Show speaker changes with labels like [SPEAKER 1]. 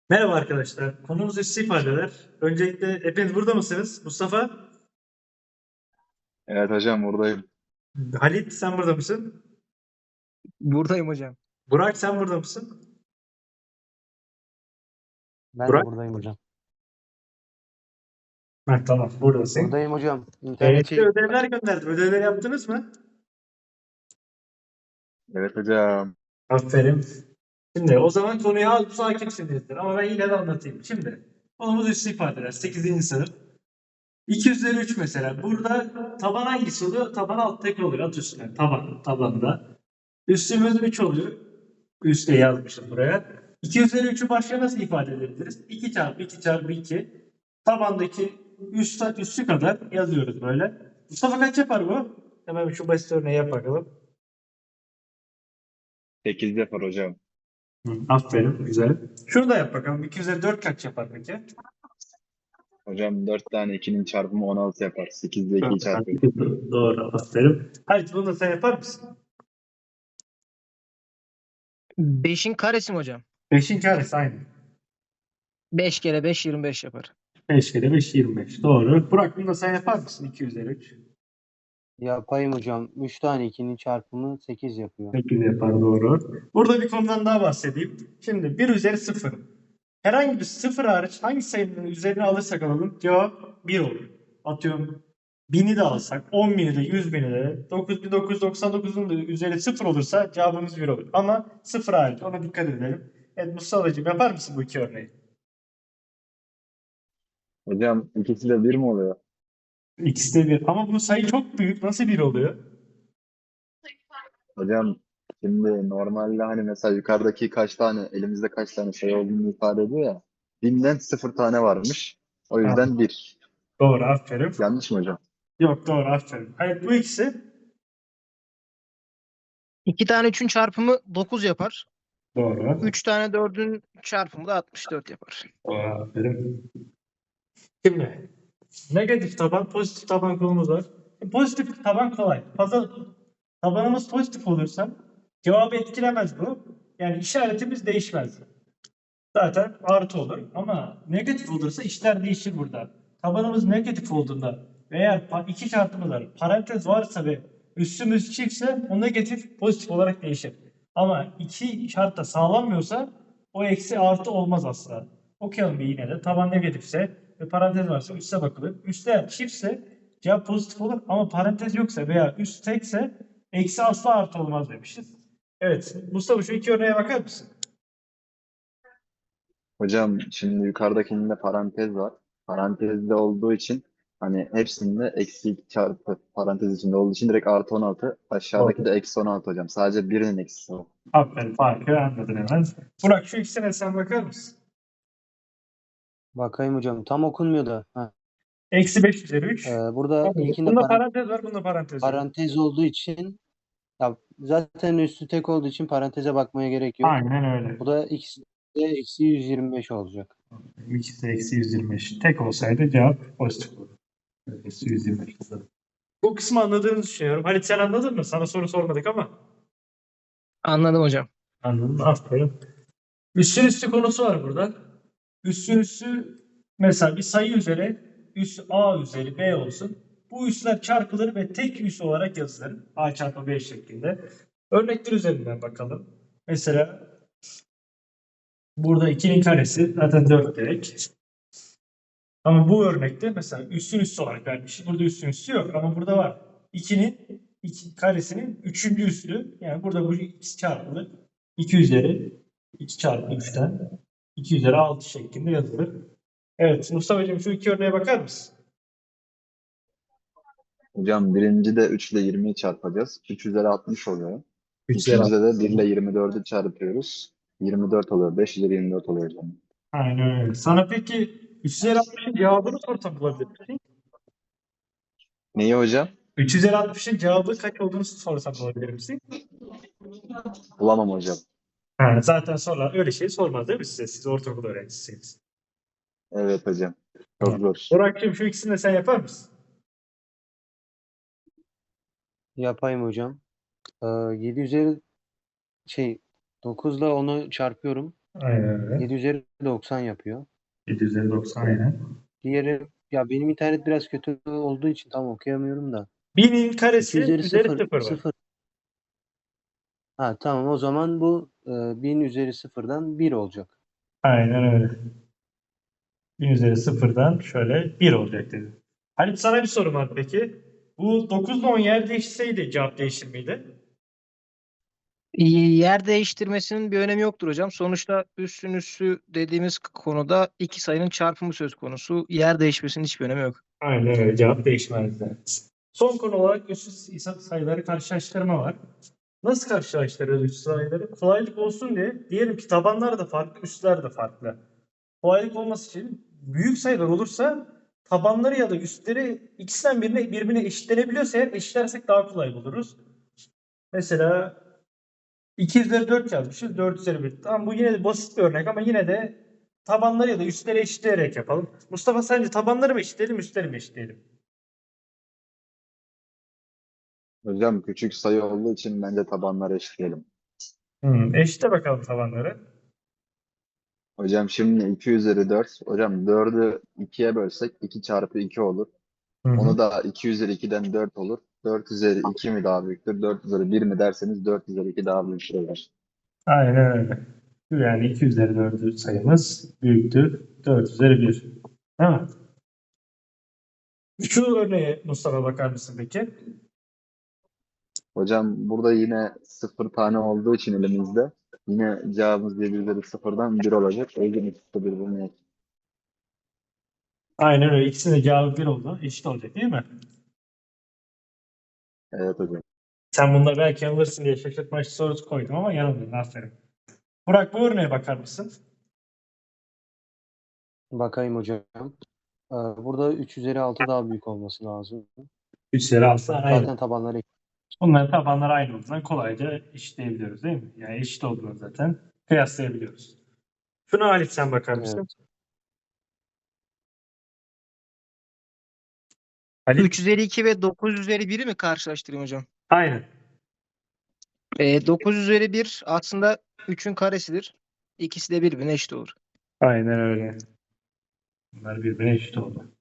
[SPEAKER 1] Merhaba arkadaşlar. Konumuz üstü ifadeler. Öncelikle hepiniz burada mısınız? Mustafa,
[SPEAKER 2] Evet hocam buradayım.
[SPEAKER 1] Halit sen burada mısın?
[SPEAKER 3] Buradayım hocam.
[SPEAKER 1] Burak sen burada mısın?
[SPEAKER 4] Ben de
[SPEAKER 1] Burak?
[SPEAKER 4] buradayım hocam.
[SPEAKER 1] Ha, tamam buradasın.
[SPEAKER 4] Buradayım hocam. İnternet
[SPEAKER 1] Size
[SPEAKER 4] çekti.
[SPEAKER 1] ödevler gönderdim. Ödevleri yaptınız mı?
[SPEAKER 2] Evet hocam.
[SPEAKER 1] Aferin. Şimdi o zaman konuya az hakimsinizdir ama ben yine de anlatayım. Şimdi konumuz üstü ifadeler. 8. sınıf. 2 üzeri 3 mesela. Burada taban hangisi oluyor? Taban alt tek oluyor. At üstüne. Tabanda. Üstümüz 3 oluyor. Üste yazmışım buraya. 2 üzeri 3'ü başka nasıl ifade edebiliriz? 2 çarpı 2 çarpı 2. Tabandaki üssü kadar yazıyoruz böyle. Mustafa kaç yapar bu? Hemen şu basit örneği yap bakalım.
[SPEAKER 2] 8 yapar hocam.
[SPEAKER 1] Aferin. Güzel. Şunu da yap bakalım. 2 üzeri 4 kaç yapar peki?
[SPEAKER 2] Hocam 4 tane 2'nin çarpımı 16 yapar. 8 ile 2'yi çarpıyor.
[SPEAKER 1] Doğru. Aferin. Halit bunu da sen yapar mısın?
[SPEAKER 3] 5'in karesi mi hocam?
[SPEAKER 1] 5'in karesi aynı.
[SPEAKER 3] 5 kere 5 25 yapar.
[SPEAKER 1] 5 kere 5 25. Doğru. Burak bunu da sen yapar mısın? 2 üzeri 3.
[SPEAKER 4] Yapayım hocam. 3 tane 2'nin çarpımı 8 yapıyor.
[SPEAKER 1] 8 yapar doğru. Burada bir konudan daha bahsedeyim. Şimdi 1 üzeri 0. Herhangi bir 0 hariç hangi sayının üzerine alırsak alalım cevap 1 olur. Atıyorum 1000'i de alsak, 10.000'i de, 100.000'i de, 9999'un da üzeri 0 olursa cevabımız 1 olur. Ama 0 hariç ona dikkat edelim. Evet Mustafa'cığım yapar mısın bu iki örneği?
[SPEAKER 2] Hocam ikisi de 1 mi oluyor?
[SPEAKER 1] İkisi de 1. Ama bu sayı çok büyük. Nasıl 1 oluyor?
[SPEAKER 2] Hocam şimdi normalde hani mesela yukarıdaki kaç tane elimizde kaç tane sayı olduğunu ifade ediyor ya. 1000'den 0 tane varmış. O
[SPEAKER 1] Ha,
[SPEAKER 2] yüzden 1.
[SPEAKER 1] doğru aferin.
[SPEAKER 2] Yanlış mı hocam?
[SPEAKER 1] Yok doğru aferin. Evet bu ikisi
[SPEAKER 3] 2 tane 3'ün çarpımı 9 yapar.
[SPEAKER 1] doğru.
[SPEAKER 3] 3 tane 4'ün çarpımı da 64 yapar.
[SPEAKER 1] Doğru aferin. Şimdi negatif taban, pozitif taban konumuz var. Pozitif taban kolay. Tabanımız pozitif olursa cevabı etkilemez bu. Yani işaretimiz değişmez. Zaten artı olur. Ama negatif olursa işler değişir burada. Tabanımız negatif olduğunda veya iki şartımız var. Parantez varsa ve üssümüz çiftse o negatif pozitif olarak değişir. Ama iki şart da sağlanmıyorsa o eksi artı olmaz asla. Okuyalım bir yine de. Taban negatifse ve parantez varsa üste bakılır. Üste çiftse cevap pozitif olur ama parantez yoksa veya üst tekse eksi asla artı olmaz demişiz. Evet. Mustafa şu iki örneğe bakar mısın?
[SPEAKER 2] Hocam şimdi yukarıdakinde parantez var. Parantezde olduğu için hani hepsinde eksi 2 çarpı parantez içinde olduğu için direkt artı 16. Aşağıdaki
[SPEAKER 1] Doğru.
[SPEAKER 2] de eksi 16 hocam. Sadece birinin eksisi var.
[SPEAKER 1] Aferin farkı anladın hemen. Burak şu ikisine sen bakar mısın?
[SPEAKER 4] Bakayım hocam. Tam okunmuyor da.
[SPEAKER 1] Eksi 5 üzeri 3.
[SPEAKER 4] Burada ilkinde
[SPEAKER 1] Bunda parantez var, bunda parantez yok.
[SPEAKER 4] parantez olduğu için ya zaten üstü tek olduğu için paranteze bakmaya gerek yok.
[SPEAKER 1] Aynen öyle.
[SPEAKER 4] Bu da ikisi de eksi 125 olacak.
[SPEAKER 1] İkisi de eksi 125. Tek olsaydı cevap pozitif olurdu. Eksi 125 olurdu. Bu kısmı anladığını düşünüyorum. Halit sen anladın mı? Sana soru sormadık ama.
[SPEAKER 3] Anladım hocam.
[SPEAKER 1] Anladım. Aferin. Üssün üstü konusu var burada. Üssün üssü mesela bir sayı üzeri üs A üzeri B olsun. Bu üsler çarpılır ve tek üs olarak yazılır. A çarpı B şeklinde. Örnekler üzerinden bakalım. Mesela burada 2'nin karesi zaten 4 direkt. Ama bu örnekte mesela üssün üssü olarak vermiş. Burada üssün üssü yok ama burada var. 2'nin 2 karesinin 3. üssü. Yani burada bu x çarpılır. 2 üzeri 2 çarpı 3'ten 2 üzeri 6 şeklinde yazılır. Evet Mustafa'cığım şu iki örneğe bakar mısın?
[SPEAKER 2] Hocam birinci de 3 ile 20'yi çarpacağız. 3 üzeri 60 oluyor.
[SPEAKER 1] 3 üzeri 6.
[SPEAKER 2] İkincide de 1 ile 24'ü çarpıyoruz. 24 oluyor. 5 üzeri 24 oluyor hocam.
[SPEAKER 1] Aynen öyle. Sana peki 3 üzeri 60'ın cevabını sorsam bulabilir misin?
[SPEAKER 2] Neyi hocam?
[SPEAKER 1] 3 üzeri 60'ın cevabı kaç olduğunu sorsam bulabilir misin?
[SPEAKER 2] Bulamam hocam.
[SPEAKER 1] Ha, zaten sorular öyle şey sormaz değil mi size? Siz ortaokul öğrencisiniz.
[SPEAKER 2] Evet hocam. Çok
[SPEAKER 1] Tamam.
[SPEAKER 2] zor.
[SPEAKER 1] Burak'cığım şu ikisini de sen yapar mısın?
[SPEAKER 4] Yapayım hocam. 7 üzeri 9 ile 10'u çarpıyorum.
[SPEAKER 1] Aynen öyle.
[SPEAKER 4] 7 üzeri 90 yapıyor.
[SPEAKER 1] 7 üzeri 90 aynen.
[SPEAKER 4] Diğeri ya benim internet biraz kötü olduğu için tam okuyamıyorum da.
[SPEAKER 1] 1000'in
[SPEAKER 4] 2
[SPEAKER 1] karesi
[SPEAKER 4] üzeri
[SPEAKER 1] üzeri
[SPEAKER 4] 0
[SPEAKER 1] 0 var.
[SPEAKER 4] 0. Ha tamam o zaman bu 1000 üzeri 0'dan 1 olacak.
[SPEAKER 1] Aynen öyle. 1000 üzeri 0'dan şöyle 1 olacak dedi. Halit sana bir sorum var peki. Bu 9 ile 10 yer değişseydi cevap değişir miydi?
[SPEAKER 3] Yer değiştirmesinin bir önemi yoktur hocam. Sonuçta üssün üssü dediğimiz konuda iki sayının çarpımı söz konusu. Yer değişmesinin hiçbir önemi yok.
[SPEAKER 1] Aynen öyle. Cevap değişmezdi. Son konu olarak üssü sayıları karşılaştırma var. Nasıl karşılaştırıyoruz üssü sayıları? Kolaylık olsun diye diyelim ki tabanlar da farklı, üstler de farklı. Kolaylık olması için büyük sayılar olursa tabanları ya da üstleri ikisinden birbirine eşitlenebiliyorsa eğer eşitlersek daha kolay buluruz. Mesela 2 üzeri 4 yazmışız. 4 üzeri 1. Tamam bu yine de basit bir örnek ama yine de tabanları ya da üstleri eşitleyerek yapalım. Mustafa sence tabanları mı eşitleyelim, üstleri mi eşitleyelim?
[SPEAKER 2] Hocam küçük sayı olduğu için bence tabanları eşitleyelim.
[SPEAKER 1] Eşitle bakalım tabanları.
[SPEAKER 2] Hocam şimdi 2 üzeri 4. Hocam 4'ü 2'ye bölsek 2 çarpı 2 olur. Onu da 2 üzeri 2'den 4 olur. 4 üzeri 2 mi daha büyüktür? 4 üzeri 1 mi derseniz 4 üzeri 2 daha büyüktür olur.
[SPEAKER 1] Aynen öyle. Yani 2 üzeri 4 sayımız büyüktür. 4 üzeri 1. Değil mi? Şu örneğe Mustafa bakar mısın peki?
[SPEAKER 2] Hocam burada yine 0 tane olduğu için elimizde yine cevabımız 7 üzeri 0'dan 1 olacak. O yüzden ikisi de birbirine eşit.
[SPEAKER 1] Aynen öyle. İkisinin de cevabı 1 oldu. Eşit olacak değil mi?
[SPEAKER 2] Evet hocam.
[SPEAKER 1] Sen bunda belki yanılırsın diye şaşırtmaçlı sorusu koydum ama yanıldın. Aferin. Burak bu örneğe bakar mısın?
[SPEAKER 4] Bakayım hocam. Burada 3 üzeri 6 daha büyük olması lazım.
[SPEAKER 1] 3 üzeri 6
[SPEAKER 4] Zaten
[SPEAKER 1] aynı.
[SPEAKER 4] tabanları
[SPEAKER 1] Bunların tabanları aynı olduğundan kolayca eşitleyebiliyoruz değil mi? Yani eşit olduğunu zaten kıyaslayabiliyoruz. Şuna Halit sen bakar mısın?
[SPEAKER 4] Evet.
[SPEAKER 1] Halit
[SPEAKER 3] 3 üzeri 2 ve 9 üzeri 1'i mi karşılaştırayım hocam?
[SPEAKER 1] aynen.
[SPEAKER 3] 9 üzeri 1 aslında 3'ün karesidir. İkisi de birbirine eşit olur.
[SPEAKER 1] Aynen öyle. Bunlar birbirine eşit oldu.